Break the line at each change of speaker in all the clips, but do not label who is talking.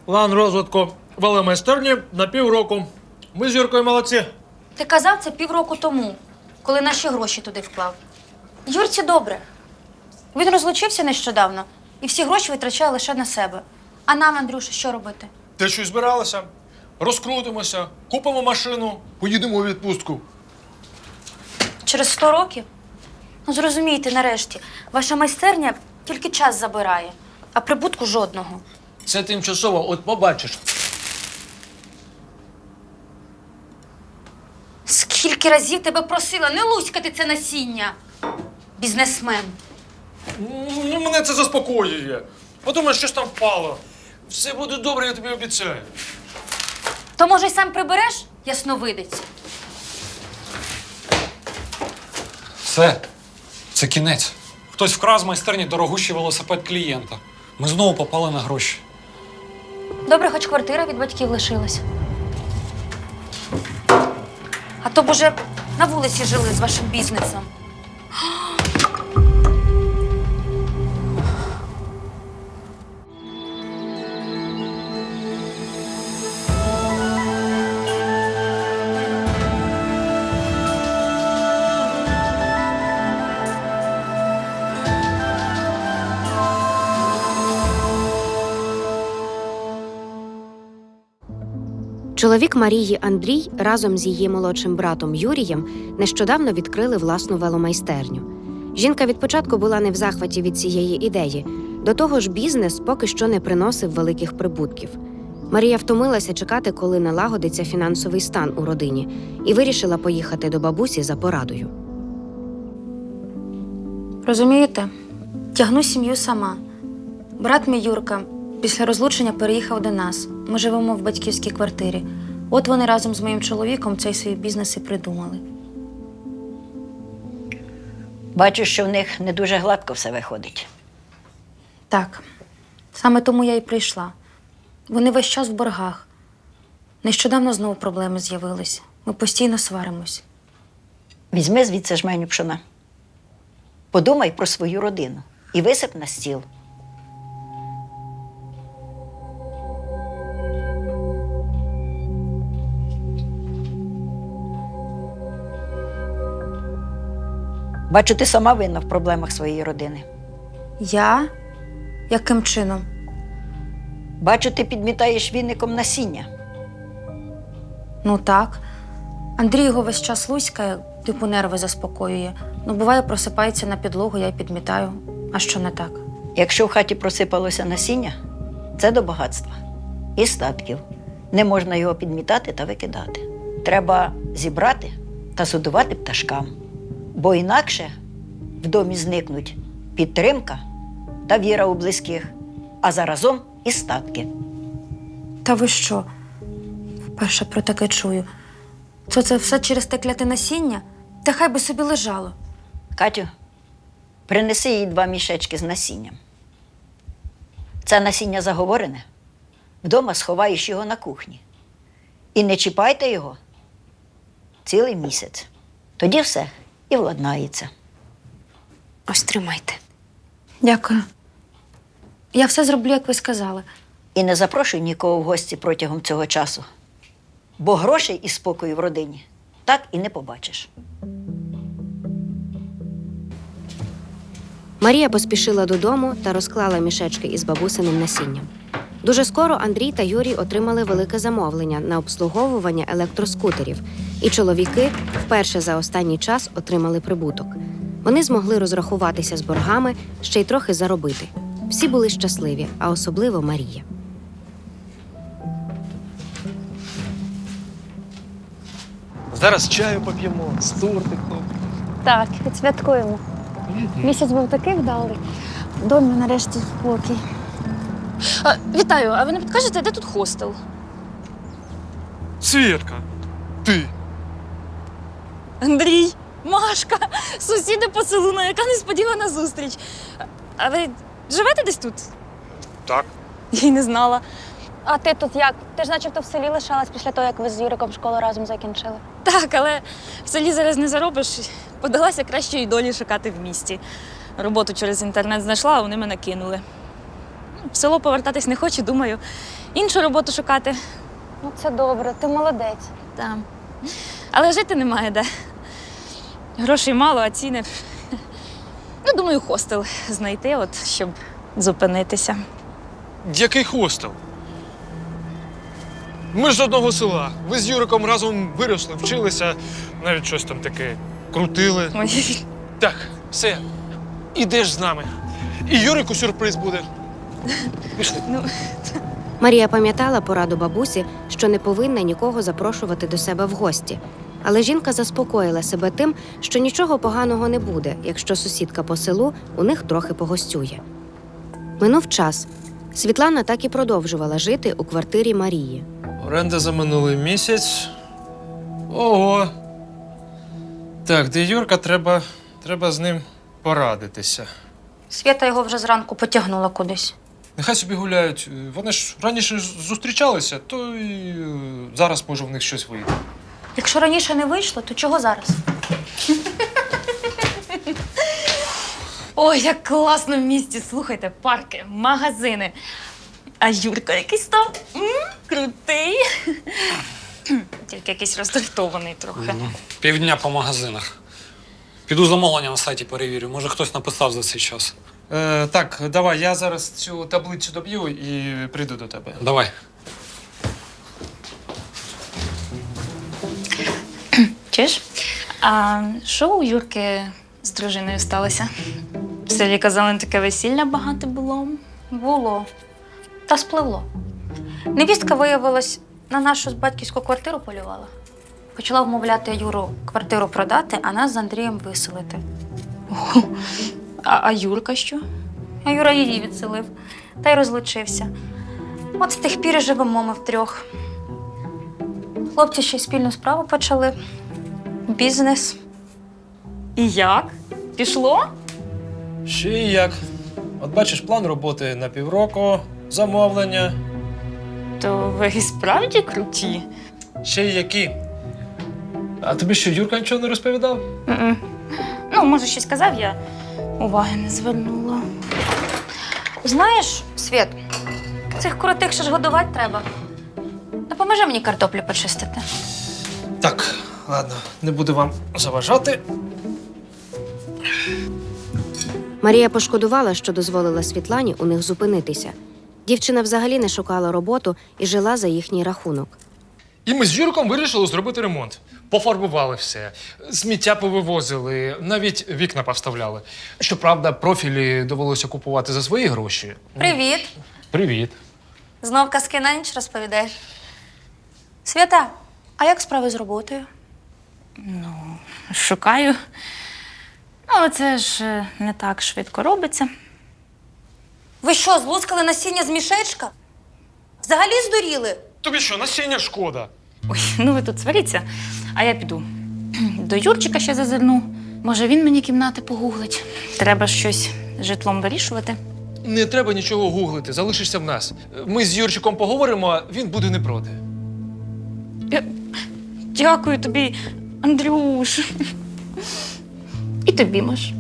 План розвитку веломайстерні на півроку. Ми з Юркою молодці.
Ти казав це півроку тому, коли наші гроші туди вклав. Юрці добре. Він розлучився нещодавно і всі гроші витрачає лише на себе. А нам, Андрюша, що робити?
Ти щось збиралася? Розкрутимося, купимо машину, поїдемо у відпустку.
Через 100 років? Ну, зрозумійте, нарешті, ваша майстерня тільки час забирає, а прибутку жодного.
Це тимчасово, от побачиш.
Скільки разів тебе просила не луськати це насіння, бізнесмен.
Ну, мене це заспокоює. Подумай, щось там впало. Все буде добре, я тобі обіцяю.
То, може, й сам прибереш, ясновидець?
Все, це кінець. Хтось вкрав з майстерні дорогущий велосипед клієнта. Ми знову попали на гроші.
Добре, хоч квартира від батьків лишилась. А то б уже на вулиці жили з вашим бізнесом.
Чоловік Марії Андрій разом з її молодшим братом Юрієм нещодавно відкрили власну веломайстерню. Жінка від початку була не в захваті від цієї ідеї. До того ж, бізнес поки що не приносив великих прибутків. Марія втомилася чекати, коли налагодиться фінансовий стан у родині, і вирішила поїхати до бабусі за порадою.
Розумієте, тягну сім'ю сама. Брат мій Юрка після розлучення переїхав до нас. Ми живемо в батьківській квартирі. От вони разом з моїм чоловіком цей свій бізнес і придумали.
Бачу, що в них не дуже гладко все виходить.
Так, саме тому я і прийшла. Вони весь час в боргах. Нещодавно знову проблеми з'явились. Ми постійно сваримось.
Візьми звідси жменю пшона. Подумай про свою родину і висип на стіл. Бачу, ти сама винна в проблемах своєї родини.
Я? Яким чином?
Бачу, ти підмітаєш віником насіння.
Ну так. Андрій його весь час луськає, типу нерви заспокоює. Ну, буває, просипається на підлогу, я й підмітаю. А що не так?
Якщо в хаті просипалося насіння, це до багатства і статків. Не можна його підмітати та викидати. Треба зібрати та судувати пташкам. Бо інакше в домі зникнуть підтримка та віра у близьких, а заразом і статки.
Та ви що? Вперше про таке чую. То це все через те кляте насіння? Та хай би собі лежало.
Катю, принеси їй 2 мішечки з насінням. Це насіння заговорене. Вдома сховаєш його на кухні. І не чіпайте його цілий місяць. Тоді все і владнається.
Ось тримайте. Дякую. Я все зроблю, як ви сказали.
І не запрошуй нікого в гості протягом цього часу. Бо грошей і спокою в родині так і не побачиш.
Марія поспішила додому та розклала мішечки із бабусиним насінням. Дуже скоро Андрій та Юрій отримали велике замовлення на обслуговування електроскутерів, і чоловіки вперше за останній час отримали прибуток. Вони змогли розрахуватися з боргами, ще й трохи заробити. Всі були щасливі, а особливо Марія.
Зараз чаю поп'ємо з тортиком.
Так, відсвяткуємо. Місяць був такий вдалий. В домі нарешті спокій.
Вітаю, а ви не підкажете, де тут хостел?
Свєтка, ти.
Андрій, Машка, сусіди по селу, ну яка несподівана зустріч. А ви живете десь тут?
Так.
Я й не знала.
А ти тут як? Ти ж начебто в селі лишалась після того, як ви з Юриком школу разом закінчили.
Так, але в селі зараз не заробиш. Подалася кращої долі шукати в місті. Роботу через інтернет знайшла, а вони мене кинули. В село повертатись не хочу, думаю, іншу роботу шукати.
Ну, це добре, ти молодець.
Там. Але жити немає де. Грошей мало, а ціни. Ну, думаю, хостел знайти, от, щоб зупинитися.
Який хостел? Ми ж з одного села. Ви з Юриком разом виросли, вчилися, навіть щось там таке крутили.
Ой.
Так, все, ідеш з нами. І Юрику сюрприз буде. Пішли.
Марія пам'ятала пораду бабусі, що не повинна нікого запрошувати до себе в гості. Але жінка заспокоїла себе тим, що нічого поганого не буде, якщо сусідка по селу у них трохи погостює. Минув час. Світлана так і продовжувала жити у квартирі Марії.
Оренда за минулий місяць. Ого. Так, де Юрка, треба з ним порадитися.
Свята його вже зранку потягнула кудись.
Нехай собі гуляють. Вони ж раніше зустрічалися, то і зараз може в них щось вийде.
Якщо раніше не вийшло, то чого зараз?
Ой, як класно в місті. Слухайте, парки, магазини. А Юрка якийсь там крутий. Тільки якийсь роздратований трохи.
Півдня по магазинах. Піду замовлення на сайті перевірю. Може, хтось написав за цей час.
Так, давай, я зараз цю таблицю доб'ю і прийду до тебе.
Давай.
Чуєш? А що у Юрки з дружиною сталося? В селі казали, таке весілля багато було.
Було. Та спливло. Невістка, виявилась, на нашу батьківську квартиру полювала. Почала вмовляти Юру квартиру продати, а нас з Андрієм виселити.
А Юрка що?
А Юра її відселив та й розлучився. От з тих пір і живемо ми втрьох. Хлопці ще й спільну справу почали. Бізнес.
І як? Пішло?
Ще і як. От бачиш, план роботи на півроку, замовлення.
То ви і справді круті.
Ще й які. А тобі що, Юрка нічого не розповідав?
Ну, може, щось казав, я уваги не звернула.
Знаєш, Світ, цих коротих ще ж годувати треба. Допоможи мені картоплю почистити.
Так, ладно, не буду вам заважати.
Марія пошкодувала, що дозволила Світлані у них зупинитися. Дівчина взагалі не шукала роботу і жила за їхній рахунок.
І ми з Юрком вирішили зробити ремонт. Пофарбували все, сміття повивозили, навіть вікна поставляли. Щоправда, профілі довелося купувати за свої гроші.
Привіт!
Привіт.
Знов казки на ніч розповідаєш. Свята, а як справи з роботою?
Шукаю. Ну, але це ж не так швидко робиться.
Ви що, злускали насіння з мішечка? Взагалі здуріли?
Тобі що, насіння шкода?
Ой, ну ви тут сваріться, а я піду. До Юрчика ще зазирну. Може, він мені кімнати погуглить. Треба щось з житлом вирішувати.
Не треба нічого гуглити, залишишся в нас. Ми з Юрчиком поговоримо, він буде не проти.
Дякую тобі, Андрюш. І тобі, Маш.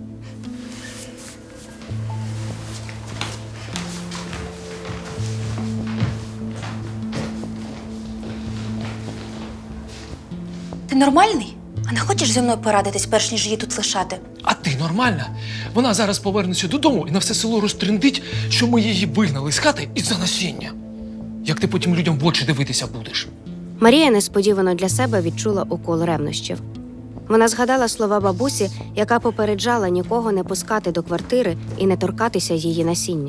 Ти нормальний? А не хочеш зі мною порадитись, перш ніж її тут лишати?
А ти нормальна? Вона зараз повернеться додому і на все село розтрендить, що ми її вигнали з хати із-за насіння. Як ти потім людям в очі дивитися будеш?
Марія несподівано для себе відчула укол ревнощів. Вона згадала слова бабусі, яка попереджала нікого не пускати до квартири і не торкатися її насіння.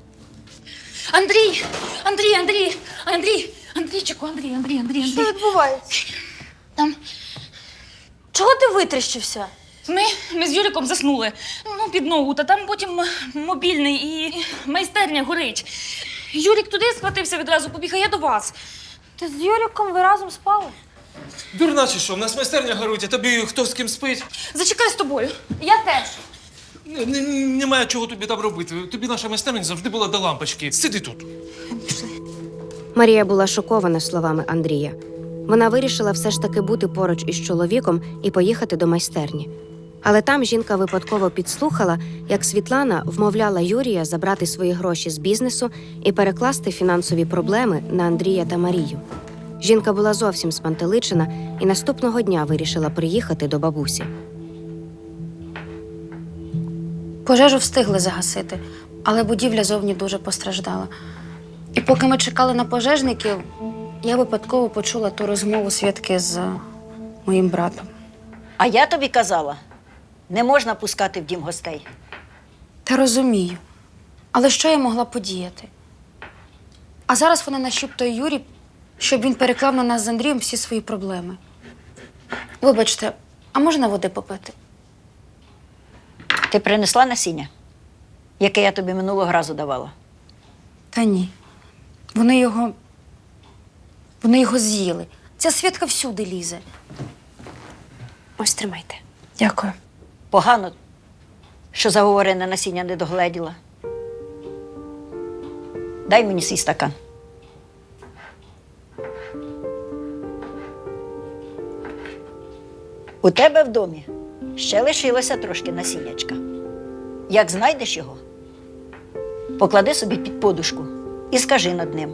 Андрійчику.
Що відбувається?
Там
Чого ти витріщився?
ми з Юриком заснули. Ну, під ногу, та там потім мобільний і майстерня горить. Юрик туди схватився відразу, побіг, а я до вас.
Ти з Юриком ви разом спали?
Дурна чи що? В нас майстерня горить, а тобі хто з ким спить?
Зачекай з тобою.
Я теж.
Немає чого тобі там робити. Тобі наша майстерня завжди була до лампочки. Сиди тут.
Марія була шокована словами Андрія. Вона вирішила все ж таки бути поруч із чоловіком і поїхати до майстерні. Але там жінка випадково підслухала, як Світлана вмовляла Юрія забрати свої гроші з бізнесу і перекласти фінансові проблеми на Андрія та Марію. Жінка була зовсім спантеличена і наступного дня вирішила приїхати до бабусі.
Пожежу встигли загасити, але будівля зовні дуже постраждала. І поки ми чекали на пожежників, я випадково почула ту розмову Святки з моїм братом.
А я тобі казала, не можна пускати в дім гостей.
Та розумію. Але що я могла подіяти? А зараз вона нашіптує Юрі, щоб він переклав на нас з Андрієм всі свої проблеми. Вибачте, а можна води попити?
Ти принесла насіння, яке я тобі минулого разу давала?
Та ні. Вони його з'їли. Ця Святка всюди лізе.
Ось тримайте.
Дякую.
Погано, що заговорене насіння не догледіла. Дай мені свій стакан. У тебе в домі ще лишилося трошки насіннячка. Як знайдеш його, поклади собі під подушку і скажи над ним.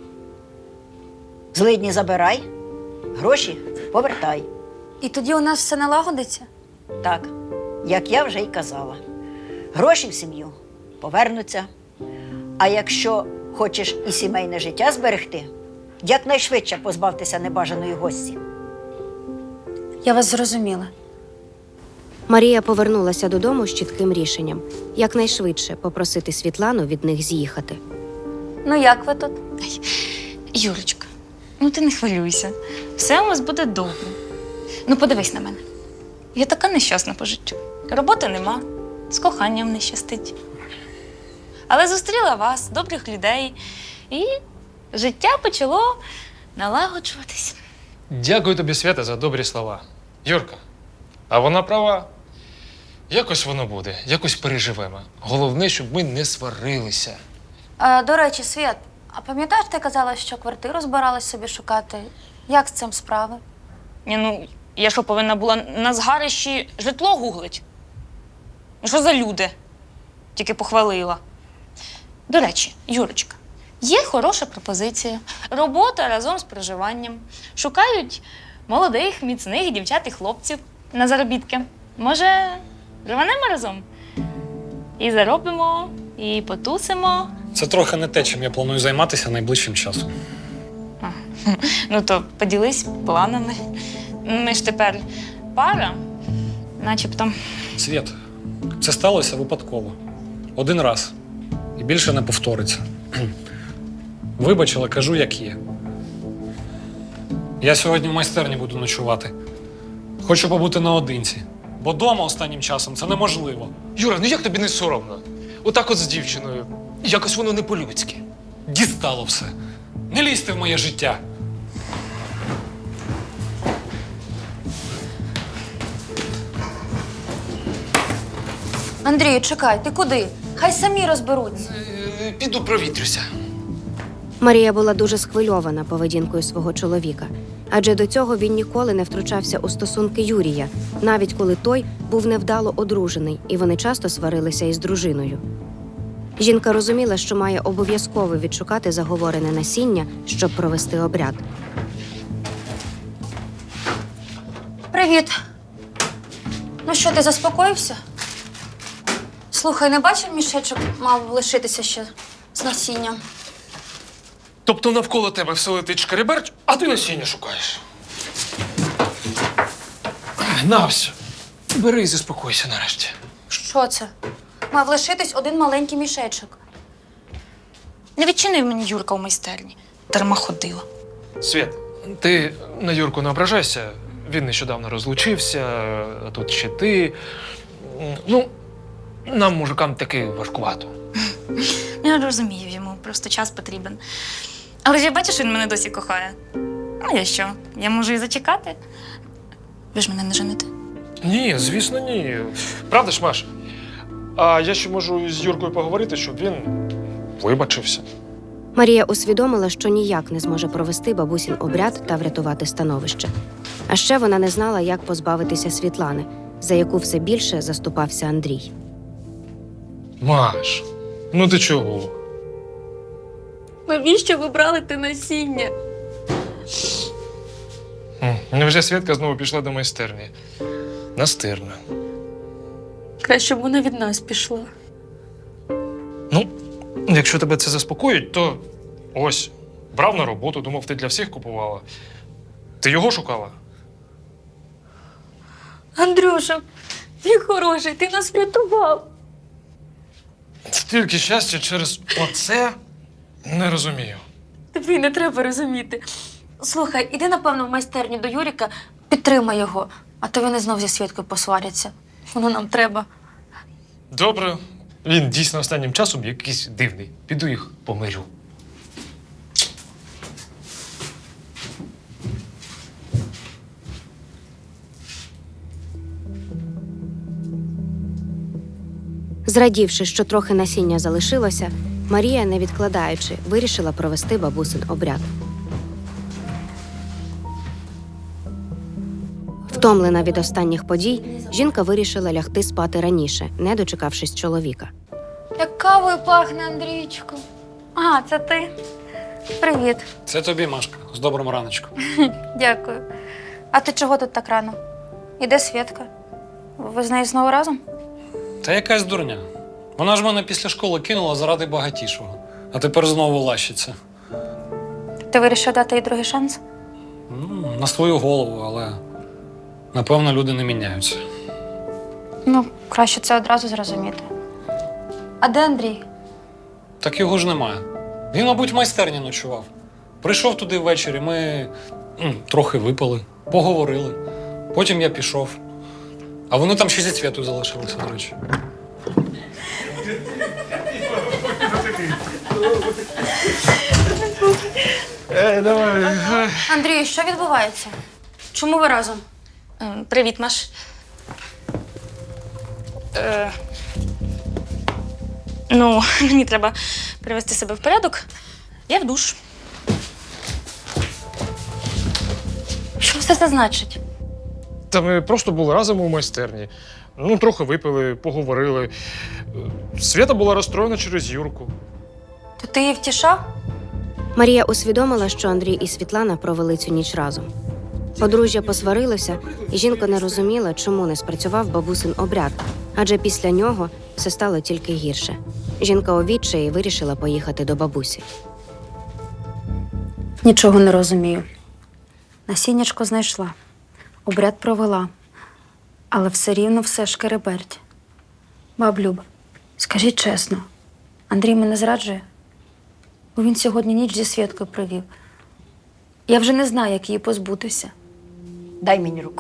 Злидні забирай, гроші повертай.
І тоді у нас все налагодиться?
Так, як я вже й казала. Гроші в сім'ю повернуться. А якщо хочеш і сімейне життя зберегти, якнайшвидше позбавтеся небажаної гості.
Я вас зрозуміла.
Марія повернулася додому з чітким рішенням – якнайшвидше попросити Світлану від них з'їхати.
Ну як ви тут?
Юрочка, ну ти не хвилюйся. Все у вас буде добре. Ну подивись на мене. Я така нещасна по життю. Роботи нема, з коханням не щастить. Але зустріла вас, добрих людей, і життя почало налагоджуватись.
Дякую тобі, Свята, за добрі слова. Юрка, а вона права. Якось воно буде, якось переживемо. Головне, щоб ми не сварилися.
До речі, Свят, а пам'ятаєш, ти казала, що квартиру збиралась собі шукати? Як з цим справи?
Ні, ну, я що, повинна була на згарищі житло гуглить? Ну, що за люди? Тільки похвалила. До речі, Юрочка, є хороша пропозиція. Робота разом з проживанням. Шукають молодих, міцних дівчат і хлопців на заробітки. Може, рванемо разом? І заробимо, і потусимо.
Це трохи не те, чим я планую займатися найближчим часом.
Ну то поділись планами. Ми ж тепер пара, начебто.
Світ, це сталося випадково. Один раз. І більше не повториться. Вибач, але кажу, як є. Я сьогодні в майстерні буду ночувати. Хочу побути наодинці. Бо дома останнім часом це неможливо.
Юра, ну як тобі не соромно? Отак от з дівчиною. Якось воно не по-людськи.
Дістало все. Не лізьте в моє життя.
Андрію, чекай, ти куди? Хай самі розберуться.
Піду провітрюся.
Марія була дуже схвильована поведінкою свого чоловіка, адже до цього він ніколи не втручався у стосунки Юрія, навіть коли той був невдало одружений, і вони часто сварилися із дружиною. Жінка розуміла, що має обов'язково відшукати заговорене насіння, щоб провести обряд.
Привіт. Ну що, ти заспокоївся? Слухай, не бачив, мішечок мав лишитися ще з насінням.
Тобто навколо тебе все летить шкереберть, а ти насіння шукаєш. На все. Бери і заспокойся нарешті.
Що це? Мав лишитись один маленький мішечок.
Не відчинив мені Юрка у майстерні. Дарма ходила.
Світ, ти на Юрку не ображайся. Він нещодавно розлучився, а тут ще ти. Ну, нам, мужикам, таки важкувато.
Я розумію, йому просто час потрібен. Але ж я бачу, що він мене досі кохає. Ну, я що? Я можу і зачекати. Ви ж мене не жените?
Ні, звісно, ні. Правда ж, Маш? А я ще можу з Юркою поговорити, щоб він вибачився.
Марія усвідомила, що ніяк не зможе провести бабусін обряд та врятувати становище. А ще вона не знала, як позбавитися Світлани, за яку все більше заступався Андрій.
Маш, ну ти чого?
Навіщо ви брали те насіння?
Невже Свідка знову пішла до майстерні? Настирна.
Краще б вона від нас пішла.
Ну, якщо тебе це заспокоїть, то ось, брав на роботу, думав, ти для всіх купувала. Ти його шукала?
Андрюша, ти хороший, ти нас врятував.
Стільки щастя через оце не розумію.
Тобі не треба розуміти. Слухай, іди, напевно, в майстерню до Юріка, підтримай його, а то вони знов зі Свідкою посваряться. Воно нам треба.
Добре, він дійсно останнім часом якийсь дивний. Піду їх помирю.
Зрадівши, що трохи насіння залишилося, Марія, не відкладаючи, вирішила провести бабусин обряд. Втомлена від останніх подій, жінка вирішила лягти спати раніше, не дочекавшись чоловіка.
Як кавою пахне, Андрійчику. А, це ти? Привіт.
Це тобі, Машка, з добрим раночком.
Дякую. А ти чого тут так рано? Іде Свідка? Ви з нею знову разом?
Та якась дурня. Вона ж мене після школи кинула заради багатішого, а тепер знову лащиться.
Ти вирішив дати їй другий шанс?
Ну, на свою голову, але напевно люди не міняються.
Ну, краще це одразу зрозуміти. А де Андрій?
Так його ж немає. Він, мабуть, в майстерні ночував. Прийшов туди ввечері, ми трохи випили, поговорили. Потім я пішов. А вони там ще зі Цвітою залишилися, до речі.
Андрій, що відбувається? Чому ви разом?
Привіт, Маш. Ну, мені треба привести себе в порядок. Я в душ.
Що все це значить?
Та ми просто були разом у майстерні. Ну, трохи випили, поговорили. Свята була розстроєна через Юрку.
То ти її втішав?
Марія усвідомила, що Андрій і Світлана провели цю ніч разом. Подружжя посварилося, і жінка не розуміла, чому не спрацював бабусин обряд, адже після нього все стало тільки гірше. Жінка у відчаї вирішила поїхати до бабусі.
Нічого не розумію. Насіннячко знайшла, обряд провела, але все рівно все шкереберть. Баб Люба, скажіть чесно, Андрій мене зраджує? Бо він сьогодні ніч зі Свідкою провів. Я вже не знаю, як її позбутися.
Дай мені руку.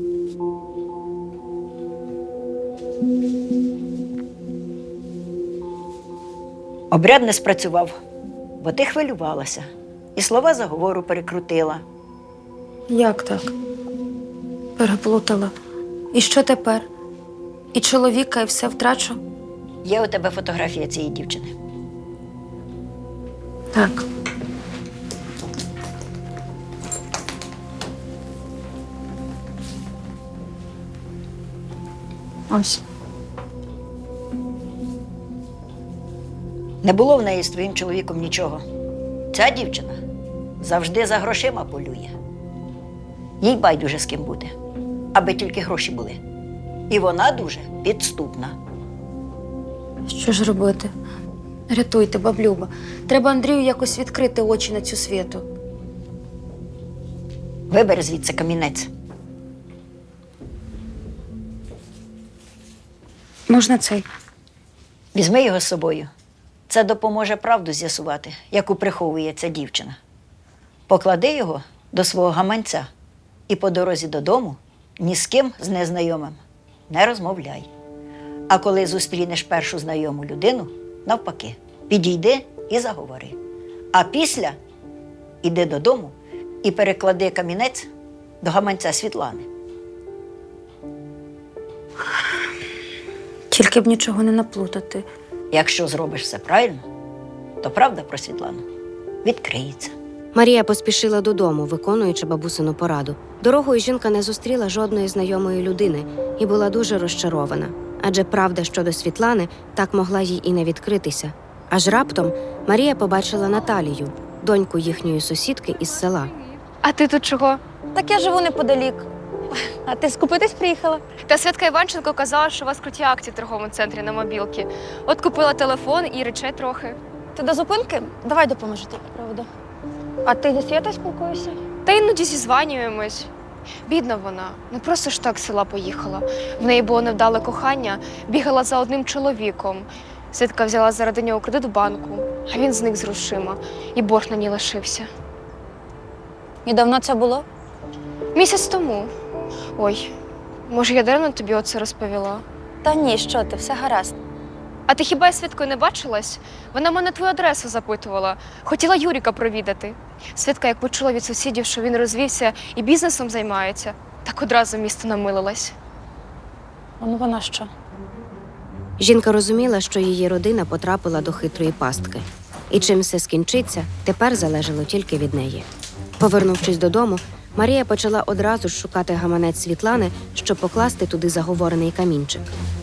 Обряд не спрацював, бо ти хвилювалася і слова заговору перекрутила.
Як так? Переплутала. І що тепер? І чоловіка, і все втрачу?
Є у тебе фотографія цієї дівчини.
Так. Ось.
Не було в неї з твоїм чоловіком нічого. Ця дівчина завжди за грошима полює. Їй байдуже з ким бути, аби тільки гроші були. І вона дуже підступна.
Що ж робити? Рятуйте, баблюба. Треба Андрію якось відкрити очі на цю Світу.
Вибери звідси камінець.
Можна цей?
Візьми його з собою. Це допоможе правду з'ясувати, яку приховує ця дівчина. Поклади його до свого гаманця і по дорозі додому ні з ким з незнайомим не розмовляй. А коли зустрінеш першу знайому людину, навпаки, підійди і заговори. А після іди додому і переклади камінець до гаманця Світлани.
Тільки б нічого не наплутати.
Якщо зробиш все правильно, то правда про Світлану відкриється.
Марія поспішила додому, виконуючи бабусину пораду. Дорогою жінка не зустріла жодної знайомої людини і була дуже розчарована, адже правда щодо Світлани так могла їй і не відкритися. Аж раптом Марія побачила Наталію, доньку їхньої сусідки із села.
А ти тут чого?
Так я живу неподалік. А ти скупитись приїхала?
Та Святка Іванченко казала, що у вас круті акції в торговому центрі на мобілки. От купила телефон і речей трохи.
Ти до зупинки? Давай допоможу тобі, правда. А ти зі Святою спілкуєшся?
Та іноді зізванюємось. Бідна вона, не просто ж так з села поїхала. В неї було невдале кохання, бігала за одним чоловіком. Святка взяла заради нього кредит в банку, а він зник з грошима, і борг на ній лишився.
І давно це було?
Місяць тому. Ой, може, я даремно тобі оце розповіла?
Та ні, що ти, все гаразд.
А ти хіба з Святкою не бачилась? Вона мене твою адресу запитувала. Хотіла Юріка провідати. Святка, як почула від сусідів, що він розвівся і бізнесом займається, так одразу місто намилилась.
Ну вона що?
Жінка розуміла, що її родина потрапила до хитрої пастки. І чим все скінчиться, тепер залежало тільки від неї. Повернувшись додому, Марія почала одразу ж шукати гаманець Світлани, щоб покласти туди заговорений камінчик.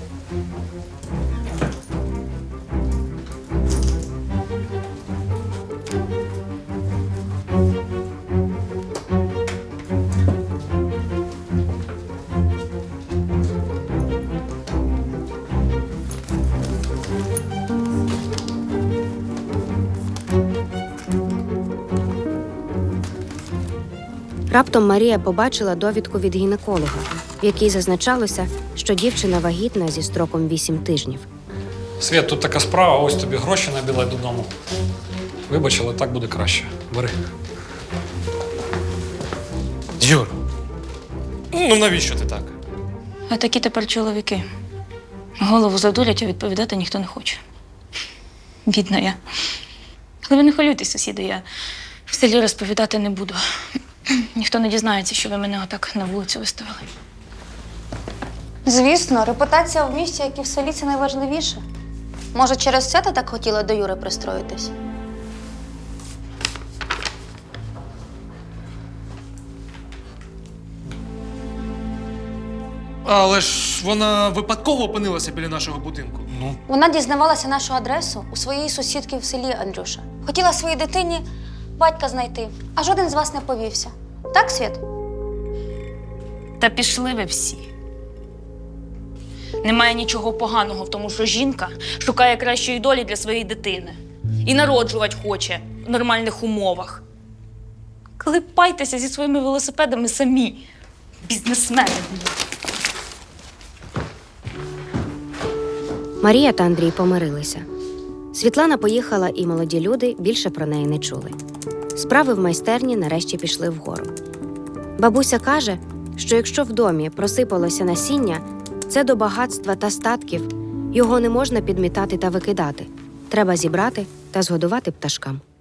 Раптом Марія побачила довідку від гінеколога, в якій зазначалося, що дівчина вагітна зі строком 8 тижнів.
Свят, тут така справа, ось тобі гроші на білет додому. Вибач, але так буде краще. Бери.
Юр, ну навіщо ти так?
А такі тепер чоловіки. Голову задурять, а відповідати ніхто не хоче. Бідна я. Але ви не хвилюйтесь, сусіди, я в селі розповідати не буду. Ніхто не дізнається, що ви мене отак на вулицю виставили.
Звісно, репутація в місті, як і в селі, це найважливіше. Може, через це ти так хотіла до Юри пристроїтись?
Але ж вона випадково опинилася біля нашого будинку. Ну,
Вона дізнавалася нашу адресу у своєї сусідки в селі, Андрюша. Хотіла своїй дитині батька знайти, а жоден з вас не повівся. Так, Світ?
Та пішли ви всі. Немає нічого поганого в тому, що жінка шукає кращої долі для своєї дитини. І народжувати хоче в нормальних умовах. Клепайтеся зі своїми велосипедами самі. Бізнесмени.
Марія та Андрій помирилися. Світлана поїхала, і молоді люди більше про неї не чули. Справи в майстерні нарешті пішли вгору. Бабуся каже, що якщо в домі просипалося насіння, це до багатства та статків, його не можна підмітати та викидати. Треба зібрати та згодувати пташкам.